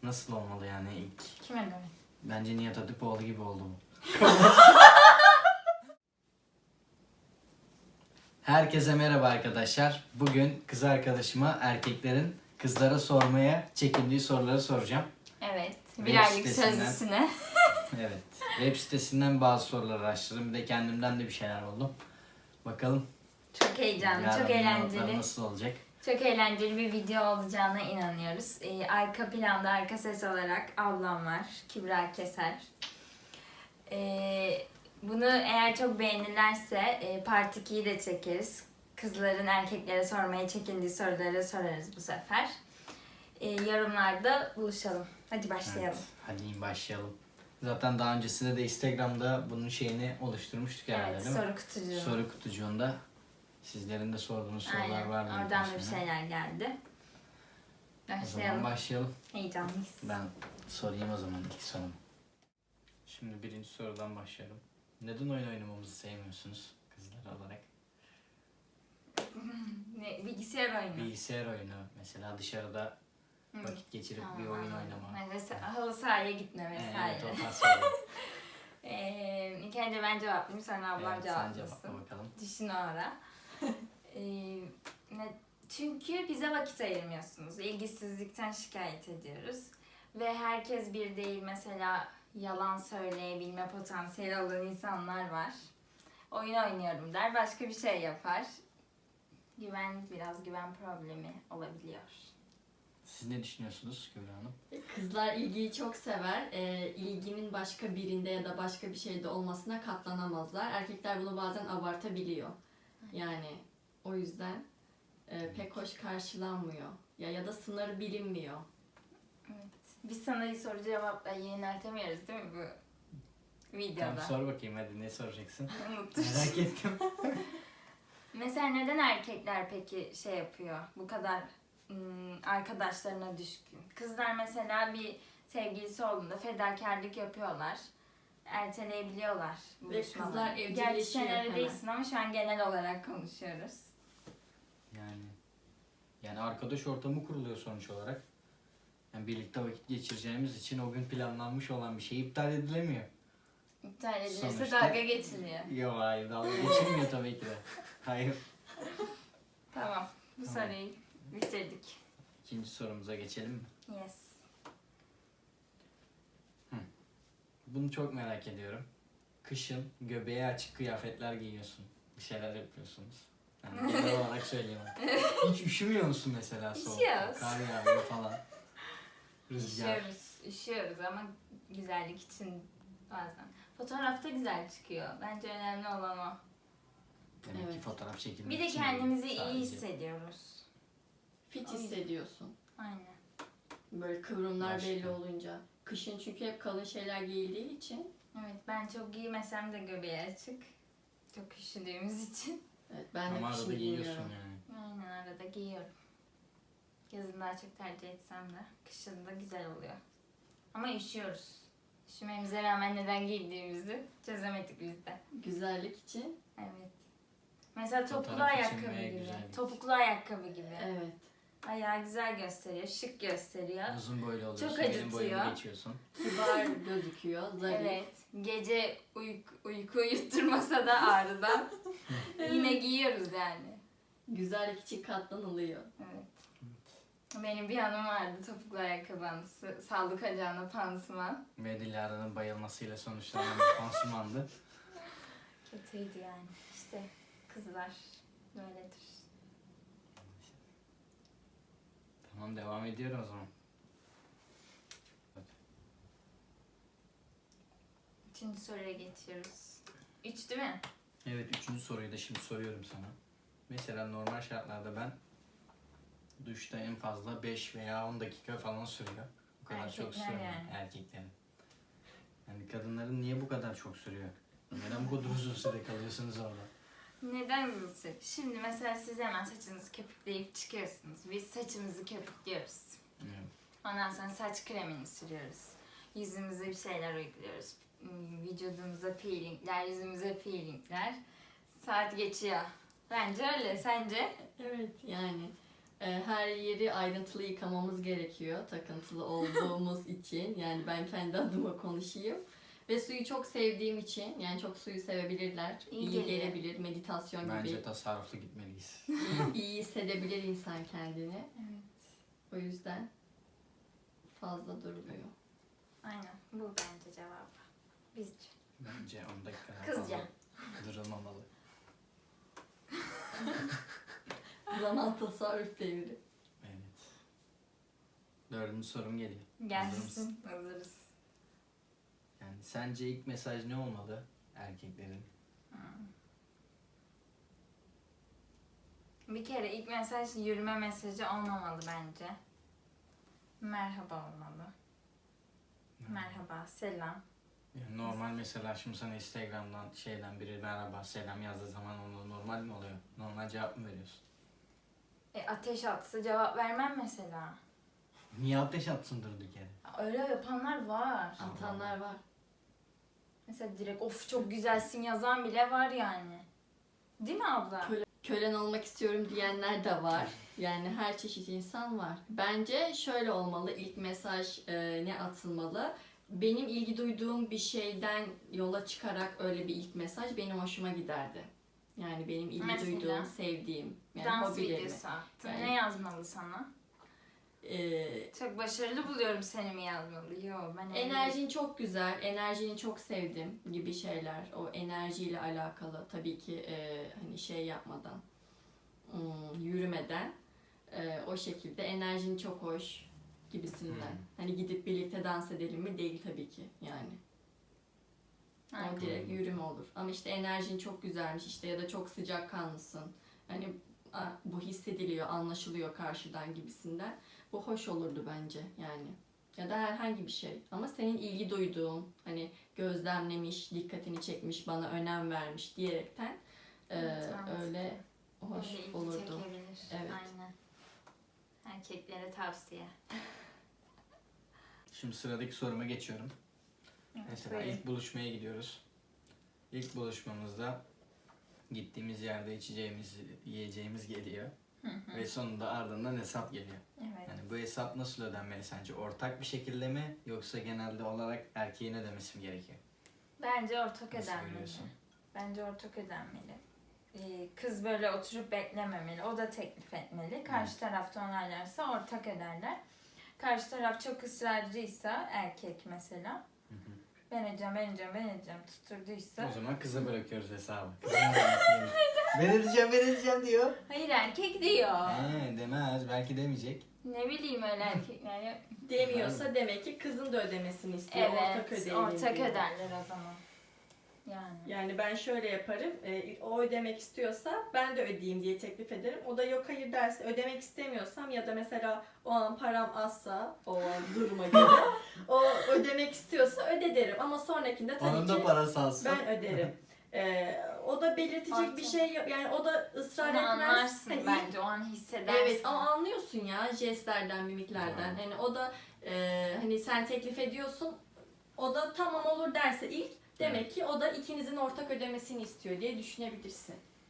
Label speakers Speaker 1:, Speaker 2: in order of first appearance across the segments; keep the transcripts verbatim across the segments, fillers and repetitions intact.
Speaker 1: Nasıl olmalı yani ilk?
Speaker 2: Kime göre?
Speaker 1: Bence Nihat Hatipoğlu gibi oldu bu. Herkese merhaba arkadaşlar. Bugün kız arkadaşıma erkeklerin kızlara sormaya çekindiği soruları soracağım.
Speaker 2: Evet. Bir
Speaker 1: Web
Speaker 2: aylık
Speaker 1: sitesinden.
Speaker 2: sözlüsüne.
Speaker 1: Evet. Web sitesinden bazı soruları araştırdım. Bir de kendimden de bir şeyler buldum. Bakalım.
Speaker 2: Çok heyecanlı,
Speaker 1: yarın
Speaker 2: çok
Speaker 1: cevaplar
Speaker 2: eğlenceli.
Speaker 1: nasıl olacak?
Speaker 2: Çok eğlenceli bir video olacağına inanıyoruz. Ee, arka planda, arka ses olarak ablam var. Kübra Keser. Ee, bunu eğer çok beğenirlerse e, Part ikiyi de çekeriz. Kızların erkeklere sormaya çekindiği soruları sorarız bu sefer. Ee, yorumlarda buluşalım. Hadi başlayalım.
Speaker 1: Evet, hadi başlayalım. Zaten daha öncesinde de Instagram'da bunun şeyini oluşturmuştuk herhalde,
Speaker 2: Evet,
Speaker 1: değil mi?
Speaker 2: soru kutucuğu.
Speaker 1: Soru kutucuğunda sizlerin de sorduğunuz sorular
Speaker 2: Aynen.
Speaker 1: var mı?
Speaker 2: Oradan da bir
Speaker 1: Başına?
Speaker 2: şeyler geldi.
Speaker 1: O zaman
Speaker 2: Başlayalım.
Speaker 1: başlayalım.
Speaker 2: Heyecanlıyız.
Speaker 1: Ben sorayım o zaman ilk sorumu. Şimdi birinci sorudan başlayalım. Neden oyun oynamamızı sevmiyorsunuz kızlar olarak?
Speaker 2: Ne, bilgisayar oyunu.
Speaker 1: Bilgisayar oyunu mesela, dışarıda
Speaker 2: Hı.
Speaker 1: vakit geçirip
Speaker 2: Tamam,
Speaker 1: bir oyun
Speaker 2: anladım.
Speaker 1: oynama.
Speaker 2: Mesela halı sahaya gitme vesaire.
Speaker 1: Evet, o tarz şeyler.
Speaker 2: ee, ilk önce ben cevaplayayım, sonra ablam
Speaker 1: Evet, sen
Speaker 2: cevaplasın.
Speaker 1: cevapla bakalım.
Speaker 2: Düşün o ara. ee, ne, çünkü bize vakit ayırmıyorsunuz. İlgisizlikten şikayet ediyoruz. Ve herkes bir değil, mesela yalan söyleyebilme potansiyeli olan insanlar var. Oyun oynuyorum der, başka bir şey yapar. Güven, biraz güven problemi olabiliyor.
Speaker 1: Siz ne düşünüyorsunuz Kübra Hanım?
Speaker 3: Kızlar ilgiyi çok sever. E, ilginin başka birinde ya da başka bir şeyde olmasına katlanamazlar. Erkekler bunu bazen abartabiliyor. Yani o yüzden e, pek hoş karşılanmıyor. Ya ya da sınırı bilinmiyor.
Speaker 2: Evet. Biz sana soru cevapla yöneltemiyoruz değil mi bu videoda?
Speaker 1: Tamam, sor bakayım hadi, ne soracaksın?
Speaker 2: Unuttum.
Speaker 1: Merak ettim.
Speaker 2: Mesela neden erkekler peki şey yapıyor? Bu kadar ım, arkadaşlarına düşkün. Kızlar mesela bir sevgilisi olduğunda fedakarlık yapıyorlar. Erteleyebiliyorlar
Speaker 3: Ve
Speaker 2: buluşmaları.
Speaker 3: kızlar
Speaker 2: Gerçi
Speaker 3: evcilleşiyor
Speaker 2: sen öyle
Speaker 3: hemen.
Speaker 2: değilsin ama şu an genel olarak konuşuyoruz.
Speaker 1: Yani yani arkadaş ortamı kuruluyor sonuç olarak. Yani birlikte vakit geçireceğimiz için o gün planlanmış olan bir şey iptal edilemiyor.
Speaker 2: İptal edilirse
Speaker 1: Sonuçta-
Speaker 2: dalga geçiliyor.
Speaker 1: Yok, hayır, dalga geçilmiyor tabii ki de. Hayır.
Speaker 2: Tamam. Bu
Speaker 1: Tamam.
Speaker 2: soruyu bitirdik.
Speaker 1: İkinci sorumuza geçelim mi?
Speaker 2: Yes.
Speaker 1: Bunu çok merak ediyorum. Kışın göbeğe açık kıyafetler giyiyorsun. Bir şeyler yapıyorsunuz. Yani genel olarak söylüyorum. Hiç üşümüyor musun mesela soğukta?
Speaker 2: Üşüyoruz.
Speaker 1: Kar yağıyor falan. Rüzgar.
Speaker 2: Üşüyoruz, üşüyoruz ama güzellik için bazen. Fotoğrafta güzel çıkıyor. Bence önemli olan o.
Speaker 1: Demek ki
Speaker 3: Evet.
Speaker 1: fotoğraf çekilmek
Speaker 2: Bir de
Speaker 1: için
Speaker 2: kendimizi
Speaker 1: değil,
Speaker 2: iyi
Speaker 1: sadece.
Speaker 2: hissediyoruz.
Speaker 3: Fit
Speaker 2: Ay.
Speaker 3: hissediyorsun.
Speaker 2: Aynen.
Speaker 3: Böyle kıvrımlar
Speaker 1: Başka.
Speaker 3: belli olunca. Kışın çünkü hep kalın şeyler giyildiği için.
Speaker 2: Evet, ben çok giymesem de göbeği açık. Çok üşüdüğümüz için.
Speaker 3: Evet, ben de
Speaker 1: Ama
Speaker 3: kışın
Speaker 1: arada giyiyorsun
Speaker 3: giymiyorum.
Speaker 1: yani.
Speaker 2: Aynen, arada giyiyorum. Yazın daha çok tercih etsem de kışın da güzel oluyor. Ama üşüyoruz. Üşümemize rağmen neden giydiğimizi çözemedik biz de.
Speaker 3: Güzellik için.
Speaker 2: Evet. Mesela topuklu
Speaker 1: Fotoğraf için
Speaker 2: ayakkabı
Speaker 1: ve
Speaker 2: gibi.
Speaker 1: güzellik.
Speaker 2: Topuklu ayakkabı gibi.
Speaker 3: Evet.
Speaker 2: Ayağı güzel gösteriyor, şık gösteriyor.
Speaker 1: Uzun boylu oluyorsun.
Speaker 2: Çok
Speaker 1: Benim
Speaker 2: acıtıyor.
Speaker 1: boyumu geçiyorsun.
Speaker 3: Kibar gözüküyor. Zarif.
Speaker 2: Evet. Gece uyku, uyku uyutturmasa da ağrıdan yine giyiyoruz yani.
Speaker 3: Güzellik için katlanılıyor.
Speaker 2: Evet. Benim bir anım vardı, topuklu ayakkabı anısı. Sağlık ocağına pansuman.
Speaker 1: Ve Dilara'nın bayılmasıyla sonuçlanan bir pansumandı.
Speaker 2: Kötüydü yani. İşte kızlar böyledir.
Speaker 1: Tamam, devam ediyorum o zaman.
Speaker 2: Üçüncü soruya geçiyoruz. Üç değil mi?
Speaker 1: Evet, üçüncü soruyu da şimdi soruyorum sana. Mesela normal şartlarda ben duşta en fazla beş veya on dakika falan sürüyor. Bu kadar çok
Speaker 2: Erkekler
Speaker 1: sürüyor
Speaker 2: yani.
Speaker 1: erkeklerin. Yani kadınların niye bu kadar çok sürüyor? Neden bu kadar uzun süre kalıyorsunuz orada?
Speaker 2: Neden uzun süre? Şimdi mesela siz hemen saçınızı köpükleyip çıkıyorsunuz. Biz saçımızı köpüklüyoruz.
Speaker 1: Evet.
Speaker 2: Ondan sonra saç kremini sürüyoruz. Yüzümüze bir şeyler uyguluyoruz. Hmm, Vücudumuza peelingler, yüzümüze peelingler. Saat geçiyor. Bence öyle. Sence?
Speaker 3: Evet yani E, her yeri ayrıntılı yıkamamız gerekiyor takıntılı olduğumuz için. Yani ben kendi adıma konuşayım. Ve suyu çok sevdiğim için, yani çok suyu sevebilirler.
Speaker 2: İyi
Speaker 3: iyi
Speaker 2: geliyor.
Speaker 3: gelebilir, meditasyon
Speaker 1: Bence
Speaker 3: gibi.
Speaker 1: tasarruflu gitmeliyiz.
Speaker 3: iyi hissedebilir insan kendini.
Speaker 2: Evet.
Speaker 3: O yüzden fazla durmuyor.
Speaker 2: Aynen. Bu bence cevabı. Bizce.
Speaker 1: Bence on dakika daha
Speaker 2: Kızca.
Speaker 1: fazla durulmamalı.
Speaker 3: Zaman tasarruf devri.
Speaker 1: Evet. Dördüncü sorum geliyor. Hazır
Speaker 2: Gelsin.
Speaker 1: mısın?
Speaker 2: Hazırız.
Speaker 1: Yani sence ilk mesaj ne olmalı erkeklerin?
Speaker 2: Bir kere ilk mesaj yürüme mesajı olmamalı bence. Merhaba olmalı. Merhaba, selam.
Speaker 1: Yani normal mesela şimdi sana Instagram'dan şeyden biri merhaba selam yazdığı zaman ona normal mi oluyor? Normal cevap mı veriyorsun?
Speaker 2: E, ateş atsa cevap vermem mesela.
Speaker 1: Niye ateş atsın durduk yere?
Speaker 2: Öyle yapanlar var.
Speaker 3: Atanlar var.
Speaker 2: Mesela direkt of çok güzelsin yazan bile var yani. Değil mi abla?
Speaker 3: Köle, kölen olmak istiyorum diyenler de var. Yani her çeşit insan var. Bence şöyle olmalı. İlk mesaj e, ne atılmalı? Benim ilgi duyduğum bir şeyden yola çıkarak öyle bir ilk mesaj benim hoşuma giderdi. Yani benim ilgi
Speaker 2: Mesela?
Speaker 3: duyduğum, sevdiğim, yani
Speaker 2: Dans
Speaker 3: hobilerimi.
Speaker 2: videosu attın.
Speaker 3: Yani-
Speaker 2: Ne yazmalı sana?
Speaker 3: E,
Speaker 2: Çok başarılı buluyorum seni mi yazmalı? Yo ben öyle-
Speaker 3: Enerjin çok güzel, enerjini çok sevdim gibi şeyler. O enerjiyle alakalı tabii ki e, hani şey yapmadan, hmm, yürümeden e, o şekilde enerjin çok hoş gibisinden.
Speaker 1: Hmm.
Speaker 3: Hani gidip birlikte dans edelim mi? Değil tabii ki yani.
Speaker 2: Aynen.
Speaker 3: O direkt yürüme olur. Ama işte enerjin çok güzelmiş işte ya da çok sıcakkanlısın. Hani a, bu hissediliyor, anlaşılıyor karşıdan gibisinden. Bu hoş olurdu bence yani. Ya da herhangi bir şey. Ama senin ilgi duyduğun, hani gözlemlemiş, dikkatini çekmiş, bana önem vermiş diyerekten e,
Speaker 2: Evet, anladım.
Speaker 3: öyle hoş
Speaker 2: Öyle ilgi
Speaker 3: olurdu.
Speaker 2: çekebilir.
Speaker 3: Evet.
Speaker 2: Aynen. Erkeklere tavsiye.
Speaker 1: Şimdi sıradaki soruma geçiyorum.
Speaker 2: Evet,
Speaker 1: Mesela
Speaker 2: buyurun.
Speaker 1: ilk buluşmaya gidiyoruz. İlk buluşmamızda gittiğimiz yerde içeceğimiz, yiyeceğimiz geliyor.
Speaker 2: Hı hı.
Speaker 1: Ve sonunda ardından hesap geliyor.
Speaker 2: Evet.
Speaker 1: Yani bu hesap nasıl ödenmeli sence? Ortak bir şekilde mi yoksa genelde olarak erkeğin ödemesi mi gerekiyor?
Speaker 2: Bence ortak
Speaker 1: Nasıl
Speaker 2: ödenmeli.
Speaker 1: görüyorsun?
Speaker 2: Bence ortak ödenmeli. Ee, Kız böyle oturup beklememeli. O da teklif etmeli. Karşı tarafta onaylarsa ortak öderler. Karşı taraf çok ısrarcıysa erkek mesela
Speaker 1: Hı hı.
Speaker 2: ben edeceğim, ben edeceğim, ben edeceğim tutturduysa.
Speaker 1: O zaman kıza bırakıyoruz hesabı. Kızın ödemesi gerekiyor. Ben edeceğim, ben edeceğim diyor.
Speaker 2: Hayır erkek diyor.
Speaker 1: He, demez. Belki demeyecek.
Speaker 2: Ne bileyim öyle erkekler ya.
Speaker 3: Demiyorsa demek ki kızın da ödemesini istiyor. ortak
Speaker 2: Evet,
Speaker 3: ödeyelim
Speaker 2: ortak
Speaker 3: diyor.
Speaker 2: öderler o zaman. Yani.
Speaker 3: Yani ben şöyle yaparım, e, o ödemek istiyorsa ben de ödeyeyim diye teklif ederim. O da yok hayır derse, ödemek istemiyorsam ya da mesela o an param azsa, o an duruma göre, o ödemek istiyorsa öde derim. Ama sonrakinde tabii
Speaker 1: Onun da
Speaker 3: ki
Speaker 1: parası alsın.
Speaker 3: ben öderim. E, o da belirtecek
Speaker 2: Ortak.
Speaker 3: bir şey yok. Yani o da ısrar
Speaker 2: Onu
Speaker 3: etmez.
Speaker 2: anlarsın
Speaker 3: Hani
Speaker 2: bence, o an hissedersin.
Speaker 3: Evet ama anlıyorsun ya jestlerden, mimiklerden.
Speaker 1: Hmm.
Speaker 3: Hani o da e, hani sen teklif ediyorsun. O da tamam olur derse ilk demek ki o da ikinizin ortak ödemesini istiyor diye düşünebilirsin.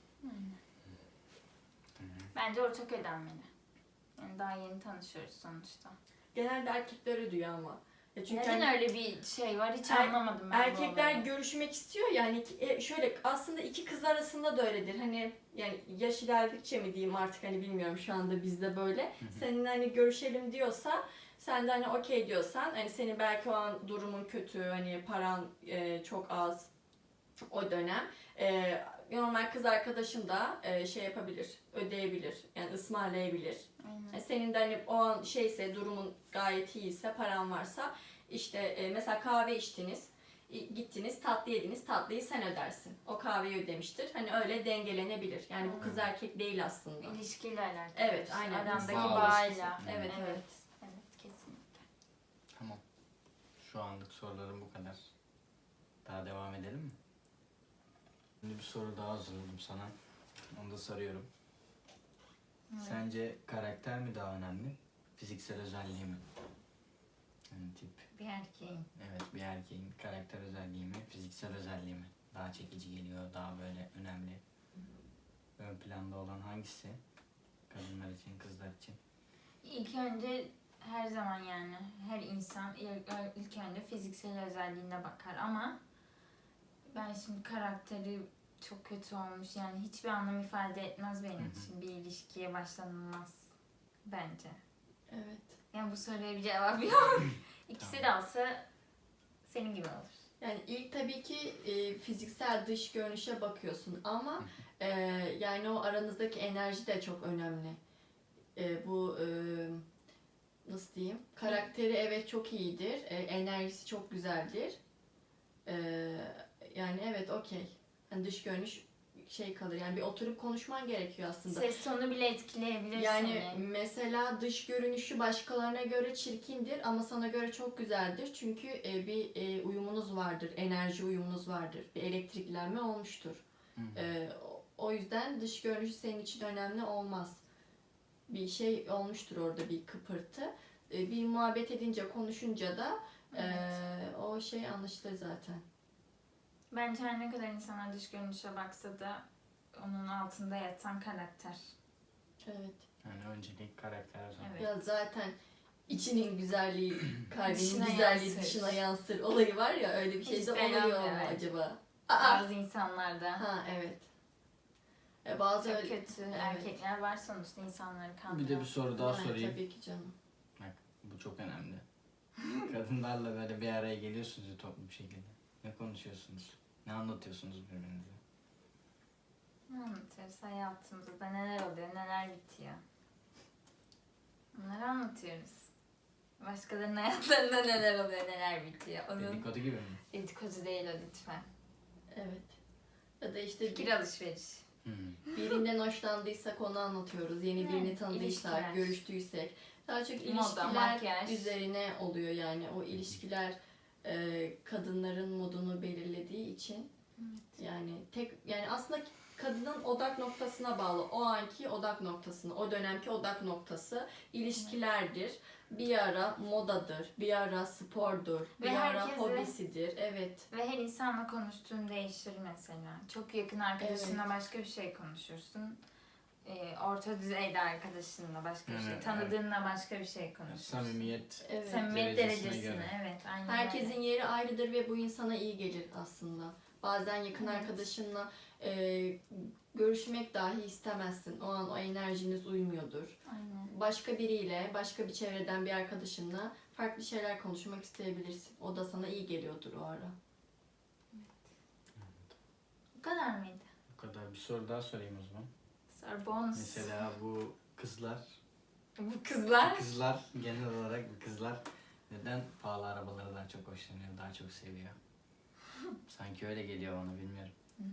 Speaker 2: Bence ortak ödenmeli. Yani daha yeni tanışıyoruz sonuçta.
Speaker 3: Genelde erkekler ödüyor ama. Ya çünkü
Speaker 2: Neden
Speaker 3: hani
Speaker 2: öyle bir şey var hiç
Speaker 3: Er-
Speaker 2: anlamadım ben bu
Speaker 3: erkekler
Speaker 2: olayı.
Speaker 3: görüşmek istiyor yani e, şöyle aslında iki kız arasında da öyledir. Hani yani yaş ilerledikçe mi diyeyim artık hani bilmiyorum şu anda bizde böyle.
Speaker 1: Hı hı.
Speaker 3: Senin hani görüşelim diyorsa sen de hani okey diyorsan hani senin belki o an durumun kötü hani paran e, çok az o dönem e, normal kız arkadaşın da e, şey yapabilir ödeyebilir yani ısmarlayabilir.
Speaker 2: Aynen.
Speaker 3: Yani senin de hani o an şeyse durumun gayet iyiyse paran varsa işte e, mesela kahve içtiniz i- gittiniz tatlı yediniz tatlıyı sen ödersin. O kahveyi ödemiştir. Hani öyle dengelenebilir. Yani bu kız
Speaker 1: Hmm.
Speaker 3: erkek değil aslında.
Speaker 2: İlişkiyle alakalı.
Speaker 3: Evet,
Speaker 2: işte,
Speaker 3: aynen.
Speaker 2: Arandaki
Speaker 1: Bağ
Speaker 2: bağıyla.
Speaker 1: ilişkisi.
Speaker 3: Evet,
Speaker 2: evet.
Speaker 3: evet.
Speaker 2: Evet, kesinlikle.
Speaker 1: Tamam. Şu anlık sorularım bu kadar. Daha devam edelim mi? Şimdi bir soru daha hazırladım sana. Onu da soruyorum.
Speaker 2: Evet.
Speaker 1: Sence karakter mi daha önemli? Fiziksel özelliği mi? Yani tip.
Speaker 2: Bir erkeğin.
Speaker 1: Evet, bir erkeğin karakter özelliği mi, fiziksel özelliği mi? Daha çekici geliyor, daha böyle önemli. Ön planda olan hangisi? Kadınlar için, kızlar için.
Speaker 2: İlk önce her zaman yani her insan ilk, ilk önce fiziksel özelliğine bakar ama ben şimdi karakteri çok kötü olmuş yani hiçbir anlam ifade etmez benim
Speaker 1: Hı hı.
Speaker 2: için bir ilişkiye başlanılmaz bence.
Speaker 3: Evet.
Speaker 2: Yani bu soruya bir cevap yok. İkisi de olsa senin gibi olur.
Speaker 3: Yani ilk tabii ki e, fiziksel dış görünüşe bakıyorsun ama e, yani o aranızdaki enerji de çok önemli. E, bu e, nasıl diyeyim? Karakteri evet çok iyidir, e, enerjisi çok güzeldir. E, yani evet okey. Yani dış görünüş şey kalır. Yani bir oturup konuşman gerekiyor aslında.
Speaker 2: Ses tonu bile etkileyebilir
Speaker 3: Yani
Speaker 2: seni.
Speaker 3: mesela dış görünüşü başkalarına göre çirkindir ama sana göre çok güzeldir. Çünkü e, bir e, uyumunuz vardır, enerji uyumunuz vardır. Bir elektriklenme olmuştur.
Speaker 1: Hı hı.
Speaker 3: E, o- o yüzden dış görünüşü senin için önemli olmaz. Bir şey olmuştur orada, bir kıpırtı. E, bir muhabbet edince, konuşunca da e,
Speaker 2: Evet.
Speaker 3: o şey anlaşılır zaten.
Speaker 2: Bence her ne kadar insanlar dış görünüşe baksa da onun altında yatan karakter.
Speaker 3: Evet.
Speaker 1: Yani öncelik karakter sonra.
Speaker 2: Evet.
Speaker 3: Ya zaten içinin güzelliği, kalbinin
Speaker 2: Dışına
Speaker 3: güzelliği
Speaker 2: yansır.
Speaker 3: dışına yansır olayı var ya, öyle bir şey
Speaker 2: Hiç
Speaker 3: de
Speaker 2: de
Speaker 3: oluyor mu
Speaker 2: inanmıyorum.
Speaker 3: acaba? Aa!
Speaker 2: Bazı insanlarda
Speaker 3: Ha evet. E, bazı
Speaker 2: çok
Speaker 3: öyle...
Speaker 2: kötü
Speaker 3: Evet.
Speaker 2: erkekler var sonuçta insanları kandıran.
Speaker 1: Bir de bir soru daha
Speaker 3: Aynen,
Speaker 1: sorayım.
Speaker 3: tabii ki canım.
Speaker 1: Bak bu çok önemli. Kadınlarla böyle bir araya geliyorsunuz ya toplu bir şekilde. Ne konuşuyorsunuz? Ne anlatıyorsunuz birbirinize?
Speaker 2: Ne anlatıyoruz hayatımızda neler oluyor neler bitiyor. Bunları anlatıyoruz. Başkalarının hayatlarında neler oluyor neler bitiyor. Onun
Speaker 1: Dedikodu gibi mi?
Speaker 2: dedikodu değil o lütfen.
Speaker 3: Evet. Ya da işte
Speaker 2: Fikir
Speaker 3: bir,
Speaker 2: alışveriş.
Speaker 1: Hı.
Speaker 3: birinden hoşlandıysak onu anlatıyoruz. Yeni
Speaker 2: Evet,
Speaker 3: birini tanıdıysak,
Speaker 2: ilişkiler.
Speaker 3: görüştüysek. Daha çok
Speaker 2: Moda,
Speaker 3: ilişkiler
Speaker 2: makyaj.
Speaker 3: üzerine oluyor yani. O ilişkiler e, kadınların modunu belirlediği için. Yani tek yani aslında kadının odak noktasına bağlı. O anki odak noktasına, o dönemki odak noktası ilişkilerdir. Bir ara modadır, bir ara spordur,
Speaker 2: Ve
Speaker 3: bir ara
Speaker 2: herkese-
Speaker 3: hobisidir. Evet.
Speaker 2: Ve her insanla konuştuğun değişir mesela. Çok yakın arkadaşınla başka bir şey konuşursun. Ee, orta düzeyde arkadaşınla başka bir şey.
Speaker 1: Evet,
Speaker 2: Tanıdığınla başka bir şey konuşursun.
Speaker 1: Samimiyet.
Speaker 3: Evet.
Speaker 2: Samimiyet
Speaker 1: Derecesine
Speaker 2: derecesine,
Speaker 1: göre.
Speaker 2: evet. Aynen
Speaker 3: Herkesin
Speaker 2: öyle.
Speaker 3: yeri ayrıdır ve bu insana iyi gelir aslında. Bazen yakın
Speaker 2: Evet.
Speaker 3: arkadaşınla e, görüşmek dahi istemezsin. O an o enerjiniz uymuyordur.
Speaker 2: Aynen.
Speaker 3: Başka biriyle, başka bir çevreden bir arkadaşınla farklı şeyler konuşmak isteyebilirsin. O da sana iyi geliyordur o ara.
Speaker 2: Bu kadar mıydı?
Speaker 1: Bu kadar. Bir soru daha sorayım o zaman.
Speaker 2: Sonra bonus.
Speaker 1: Mesela bu kızlar,
Speaker 2: Bu kızlar.
Speaker 1: kızlar genel olarak bu kızlar neden pahalı arabaları daha çok hoşlanıyor, daha çok seviyor? Sanki öyle geliyor bana, bilmiyorum.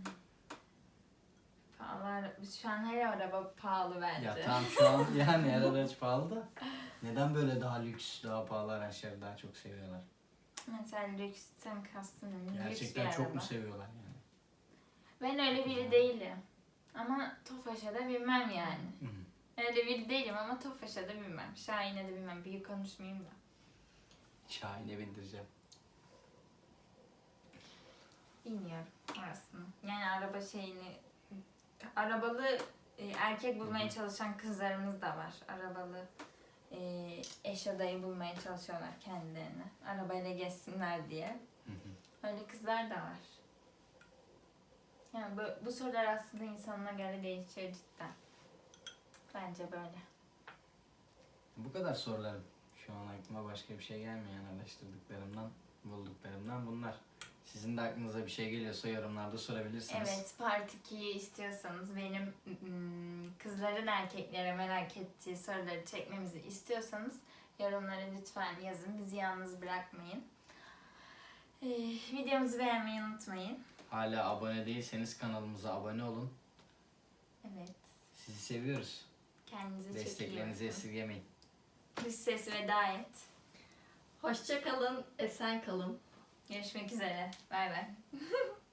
Speaker 2: Pahalı. Şu an her araba pahalı bence.
Speaker 1: Ya tamam şu an yani her araç pahalı da neden böyle daha lüks, daha pahalı araçları daha çok seviyorlar?
Speaker 2: Mesela lüksten kastın ne? Lüks bir
Speaker 1: Gerçekten çok mu
Speaker 2: araba.
Speaker 1: seviyorlar yani?
Speaker 2: Ben öyle biri değilim. Ama Tofaş'a da binmem yani.
Speaker 1: Hı.
Speaker 2: Öyle biri değilim ama Tofaş'a da binmem. Şahin'e de binmem. Büyük konuşmayayım da.
Speaker 1: Şahin'e bindireceğim.
Speaker 2: Bilmiyorum aslında. Yani araba şeyini... Arabalı e, erkek bulmaya çalışan kızlarımız da var. Arabalı e, eş adayı bulmaya çalışıyorlar kendilerini. Arabayla gezsinler diye.
Speaker 1: Hı hı.
Speaker 2: Öyle kızlar da var. Yani bu, bu sorular aslında insanına göre değişiyor cidden. Bence böyle.
Speaker 1: Bu kadar sorularım. Şu an aklıma başka bir şey gelmiyor yani araştırdıklarımdan, bulduklarımdan bunlar. Sizin de aklınıza bir şey geliyorsa yorumlarda sorabilirsiniz.
Speaker 2: Evet, Part ikiyi istiyorsanız, benim mm, kızların erkeklere merak ettiği soruları çekmemizi istiyorsanız yorumlara lütfen yazın. Bizi yalnız bırakmayın. Ee, videomuzu beğenmeyi unutmayın.
Speaker 1: Hala abone değilseniz kanalımıza abone olun.
Speaker 2: Evet,
Speaker 1: Sizi seviyoruz.
Speaker 2: kendinize çok iyi
Speaker 1: Desteklerinizi
Speaker 2: bakın.
Speaker 1: esirgemeyin.
Speaker 2: Dış ses veda et.
Speaker 3: Hoşça kalın, esen kalın.
Speaker 2: Görüşmek üzere. Bay bay.